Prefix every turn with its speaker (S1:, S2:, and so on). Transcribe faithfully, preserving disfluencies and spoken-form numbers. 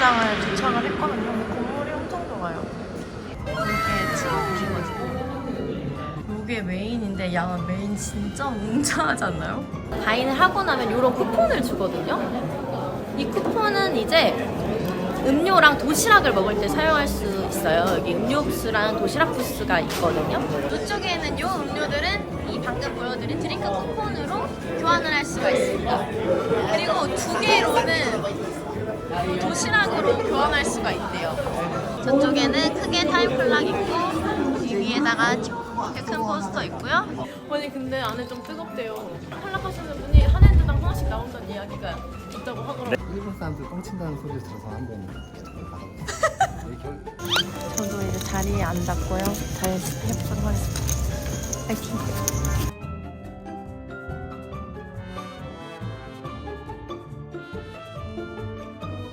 S1: 골프장을 도착을 했거든요. 근데 건물이 엄청 좋아요. 이게 트럭이거든요. 이게 메인인데 야 메인 진짜 웅장하지 않나요?
S2: 가인을 하고 나면 이런 쿠폰을 주거든요. 이 쿠폰은 이제 음료랑 도시락을 먹을 때 사용할 수 있어요. 여기 음료 부스랑 도시락 부스가 있거든요. 이쪽에는 이 음료들은 이 방금 보여드린 드링크 쿠폰으로 교환을 할 수가 있습니다. 그리고 두 개로는 도시락으로 교환할 수가 있대요. 저쪽에는 크게 타임플락 있고 이 위에다가 이렇게 큰 포스터 있고요. 아니 근데 안에 좀 뜨겁대요. 탈락하시는 분이 한 핸드당 하나씩 나온다는 이야기가 있다고 하더라고요.
S3: 일본 사람들 뻥친다는 소리를 들어서 한번 받아봤어요.
S1: 저도 이제 자리에 앉았고요. 잘 해보도록 하겠습니다. 파이팅!